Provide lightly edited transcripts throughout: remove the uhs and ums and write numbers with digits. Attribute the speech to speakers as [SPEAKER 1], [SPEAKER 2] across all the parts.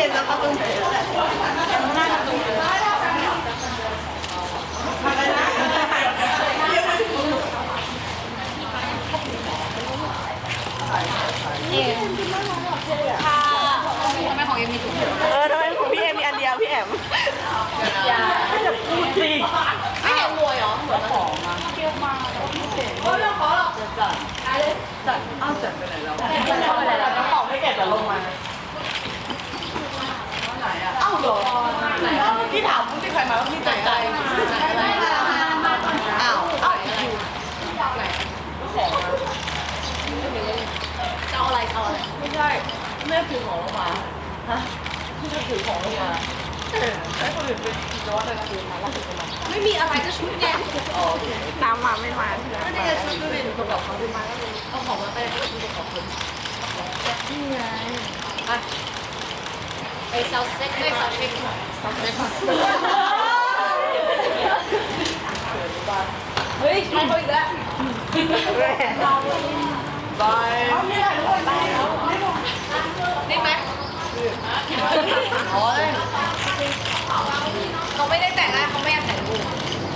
[SPEAKER 1] ห็นแล้วประตูหน้าประตูค่ะทำไมของเอ็มมีถุงทำไมของพี่เอ็มมีอันเดียวพี่แอมอย่าจะพูดสิไม่เห็นมวยเหรอเหมือนของมาเกี่ยวมาเพราะเรื่องขอหรอกจัดอ้าวจัดไปไหนแล้วเข้าไปไหนแล้วน้ำของไม่แกะแต่ลงมาอ้าวเหรอแล้วเมื่อกี้ถามผู้ที่ใครมาว่าพี่ใจอ้าวจะเอาอะไรไม่ใช่แม่ถือของลงมาฮะพี่จะถือของลงมาใช้คนอื่นเป็นร้อนเลยนะไม่มีอะไรจะชุดไงตามมาไม่มาไม่ได้จะชุดด้วยประกอบเขาขึ้นมาแล้วเอาของมาไปชุดประกอบคนนี่ไงไปเซาเซ็กด้วยเซาเซ็กเฮ้ยใช้เขาอีกแล้วบายได้ไหมเขาไม่ได้แต่งหน้าเขาไม่อยากแต่งรูป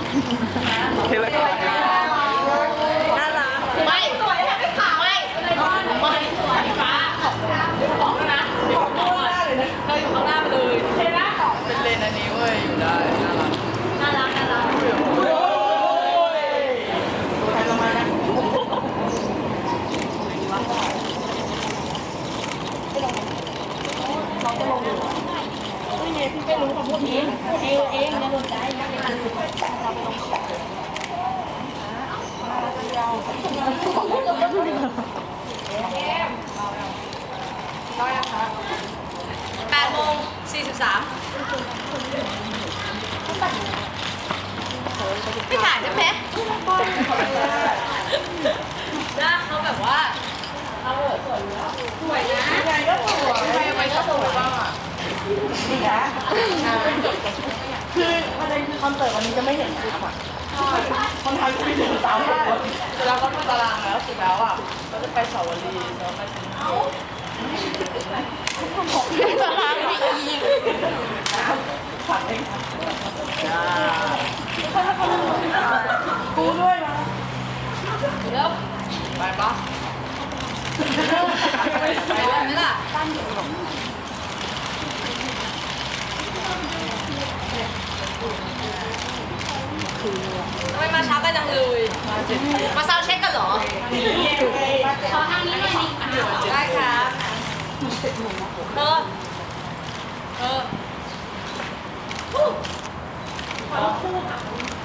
[SPEAKER 1] น่ารักไม่สวยแค่ไม่ขาวไม่สวยฟ้าของนะเราอยู่ข้างหน้าไปเลยเทน่าของเป็นเลนอันนี้เว้ยอยู่ได้น่ารักเขาจะลงไม่เนี่ยพี่ไม่รู้คำพูดนี้เองนะโดนใจนะในการฝึกเราไปลงได้นะคะ8:43ไม่ถ่ายใช่ไหมนะเขาแบบว่าเขาสวยนะยังไงก็สวยไม่ชอบสวยบ้างอ่ะนี่นะคือประเด็นคือคอนเสิร์ตวันนี้จะไม่เห็นชุดค่ะคนไทยจะไม่เห็นสาวคนเวลาเขาดูตารางแล้วสุดแล้วอ่ะเราจะไปสาวรีแล้วมาถึงตารางมีผัดเองกูด้วยนะเดี๋ยวไปปะไปเลยไหมล่ะทำไมมาช้ากันจังเลยมาซาวเช็คกันเหรอขอทางนี้หน่อยดิได้ครับขอคู่ค่ะ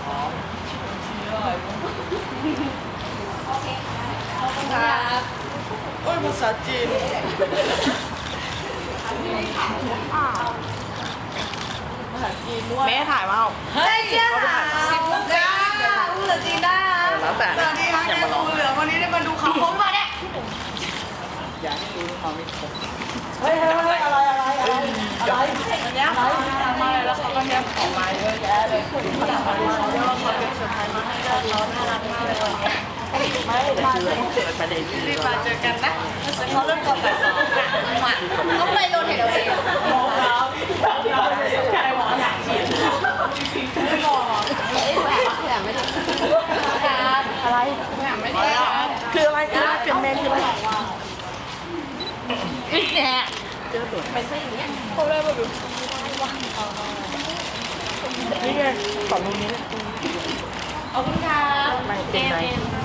[SPEAKER 1] โอเคครับโอ้ยภาษาจีนภาษาจีนด้วยแม่ถ่ายมาเฮ้ยเจ้า10 ลูกได้ภาษาจีนได้แล้วแต่สวัสดีค่ะแกงูเหลือมวันนี้ได้มาดูเขาคมมาเนี่ยอย่าให้รู้มาไม่ครบเฮ้ยอะไรอันนี้มาเลยแล้วเขาก็เนี่ยออกมาเยอะแยะเลยคนที่อยากมาดูเขาเยอะเขาเป็นเซอร์ไพรส์มาให้เราน่ารักมากเลยวันนี้ไม่มาเลยรีบมาเจอกันนะเขาเริ่มก่อนบ่าย 2ค่ะต้องไปโดนเห็นเอาเองมองเราใครบอกว่าอยากฉีดไม่มองแหมไม่ได้อะไรแหมไม่ได้คืออะไรคือเปลี่ยนเมนคืออะไรอีกแน่เจอตัวเป็นซะอย่างเงี้ยเขาเลยมาดูนี่ไงสองตรงนี้เลยขอบคุณค่ะเอ็ม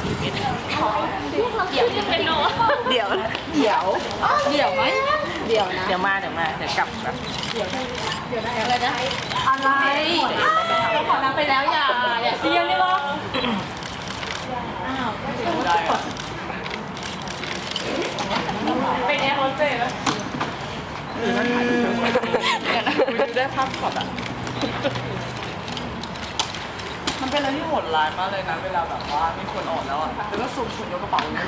[SPEAKER 1] เดี๋ยวเป็นโนเดี๋ยวไหมเดี๋ยวมาเดี๋ยวกลับแบบเดี๋ยวได้อะไรนะอะไรเราขอนับไปแล้วอย่าเสียนี่หรออ้าวเป็นแอร์โฮสเตสแล้วดูได้ภาพช็อตอ่ะมันเป็นอะไรที่โหดร้ายมากเลยนะเวลาแบบว่ามีคนออกแล้วอ่ะแล้วก็สุ่มคนยกกระเป๋าเลย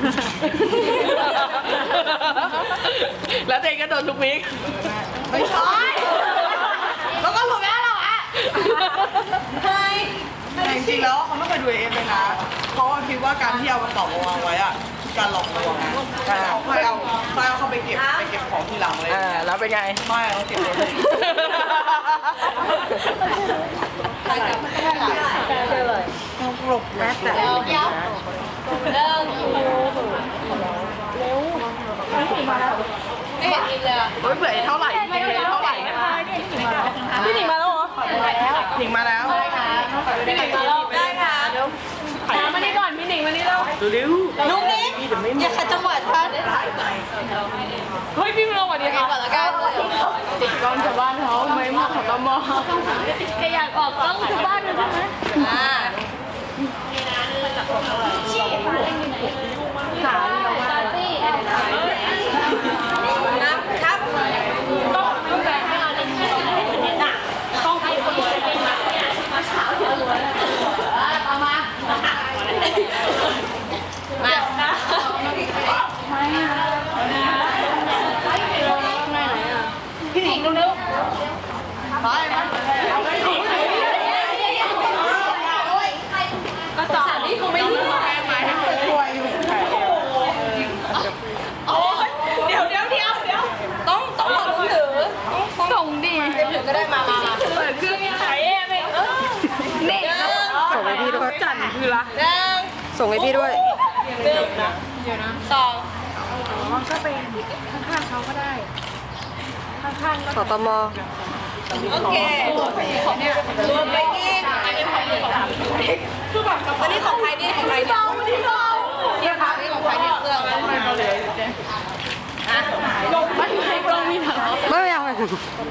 [SPEAKER 1] แล้วเด็กก็โดนทุกวิกไม่ใช่แล้วก็หลุดแล้วเหรออ่ะเฮ้ยแต่จริงๆแล้วเขาไม่เคยดูเอฟเลยนะเพราะว่าคิดว่าการที่เอากระเป๋ามาวางไว้อะการหลอกลวงนะค่อยเอาเข้าไปเก็บของทีหลังเลย
[SPEAKER 2] แล้วเป็นไง
[SPEAKER 1] ไม่เอาเก็บเลยต้องปลุกแม่แต่เร็วเร็วไม่เห็นอีกเลยเฮ้ยเบื่อเท่าไหร่เท่าไหร่พี่หนิงมาแล้วเหรอหนิงมาแล้วพี่หนิงมาแล้วได้ค่ะมานี่ก่อนพี่หนิงมานี่แล้วเร็วลุงนี่อย่าขัดจังหวะฉันเฮ้ยพี่มาสวัสดีค่ะติดกล้องชาวบ้านเขาไม่มาขอตมแกอยากออกกล้องชาวบ้านเลยใช่ไหมครับต้องแบบไม่เอาเล่นต้องให้คนอื่นเป็นมาเช้าเยอะเลยเอามาพี่หนิงเร็วๆไปก็จอดนี่คงไม่รู้ไปให้คนช่วยอยู่โอ้ยเดี๋ยวต้องบอกลุงถือส่งดิถือก็ได้มาเปิดเครื่องใช้ไหมนี่
[SPEAKER 2] ส่งให้พี่ด้วย
[SPEAKER 1] จันคือละ
[SPEAKER 2] ส่งให้พี่ด้วย
[SPEAKER 1] เดี๋ยวนะ2ก็เป็นข้างๆเขาก็ได้ข้างๆ
[SPEAKER 2] สตม
[SPEAKER 1] โอเครวมไปอีกอันนี้ของใครนี่อันนี้ของใครเนี่ยเนี่ยค่ะนี่ของใครเนี่ยเครื่องไม่เอาเลย
[SPEAKER 2] ไม่เอาเลย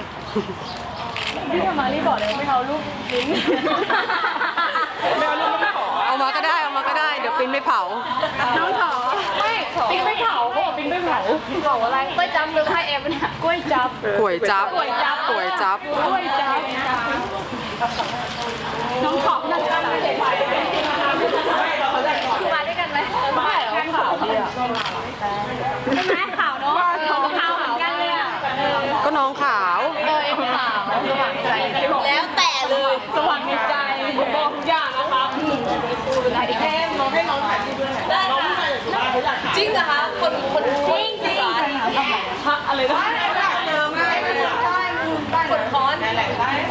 [SPEAKER 1] พี่มารีบอกเลยไม่เอาลูกลิ้นไม่เอาลูกไม่ขอ
[SPEAKER 2] เอามาก็ได้เดี๋ยวปิ้นไม่เผา
[SPEAKER 1] น้องขอไม่ปิ้นไม่เผาเขาบอกปิ้นไม่เผาอะไรกล้วยจับหรือไข่เอ็มเนี่ยกล้วยจับน้องขอบนั่งกันเลยคือมาด้วยกันไหมไม่หรอขาวดีอ่ะใช่ไหมขาวเนาะขาวเหมือนกันเลยอ่ะ
[SPEAKER 2] ก็น้องขาว
[SPEAKER 1] เอ็มขาวสว่างใจแล้วแต่เลยสว่างในใจบอกทุกอย่างนะครับได้แค่น้องให้น้องถ่ายรูปด้วยได้จริงเหรอคะคนจริงเหรอพักอะไรนะเจอง่ายได้กดคอนได้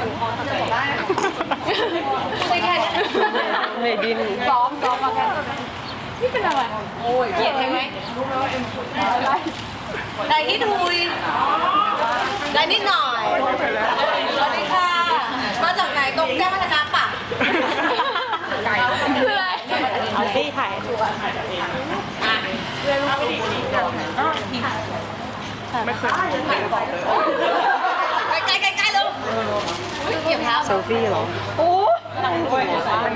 [SPEAKER 1] ไม่แค่
[SPEAKER 2] เมดิน
[SPEAKER 1] ซ้อมมาแค่นี่เป็นอะไรโอ้ยเกลียดใช่ไหมรู้ไหมว่าเอ็มได้ที่ทุยได้นิดหน่อยสวัสดีค่ะมาจากไหนตรงแจ้งวัฒนะปะคืออะไร
[SPEAKER 2] เอาสิถ่าย
[SPEAKER 1] ไม่เคยใกล้เลยเก็บเท้า
[SPEAKER 2] เซลฟี่เหรอ
[SPEAKER 1] โอ้ยโอ้ย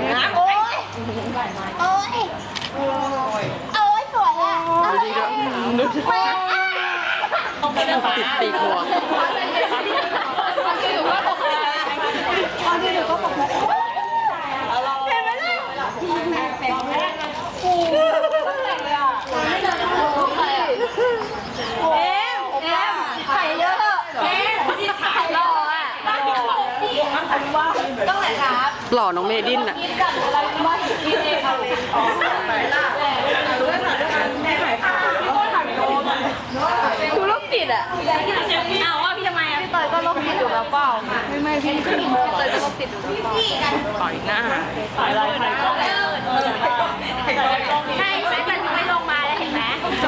[SPEAKER 1] สวยอ่ะ
[SPEAKER 2] ติดปีกหัว
[SPEAKER 1] เห็นไหมล่ะไข่เยอะที่ถ่ายรออ่ะต้องไหนครับ
[SPEAKER 2] หล่อน้องเมดินอ่ะ
[SPEAKER 1] ดูโรคจิตอ่ะเอาว่าพี่ทำไมอ่ะพี่เตยก็โรคจิตอยู่แล้วเปล่าไม่พี่เตยก็โรคจิตอยู่แล้ว
[SPEAKER 2] ต่อยหน้า
[SPEAKER 1] ถ่ายอะไรถ่ายกล้องให้แม่กันไม่ลงมาแล้วเห็นไหม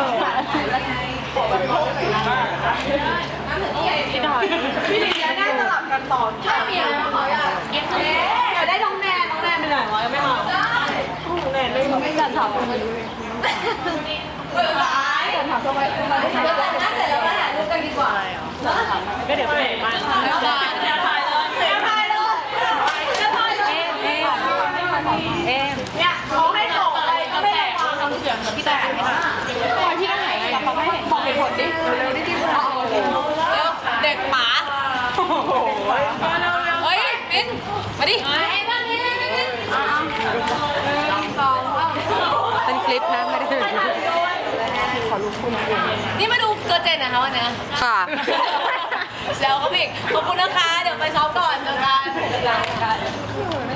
[SPEAKER 1] พี่ลิงจะได้สลับกันต่อใช่พี่อยากได้น้องแนนไปไหนวะยังไม่มาน้องแนนไม่จัดถามจัดถามทำไมเสร็จแล้วมาถ่ายรูปกันดีกว่าก็เดี๋ยวไปมาเนี่ยเขาให้ส่งอะไรก็ไม่ได้ทำเสียงเหมือนพี่แต่พี่ต้องไหนเขาไม่เห็นบอกเหตุผลดิเร็วๆที่เด็กหมาเฮ้ยมิ้นมาดิ
[SPEAKER 2] เป็นคลิปนะไม่ได้เป็น
[SPEAKER 1] นี่มาดูเกิร์ลเจนนะคะวันนี้
[SPEAKER 2] ค่ะ
[SPEAKER 1] แล้วก็พี่ขอบคุณนะคะเดี๋ยวไปซ้อมก่อนเจอกัน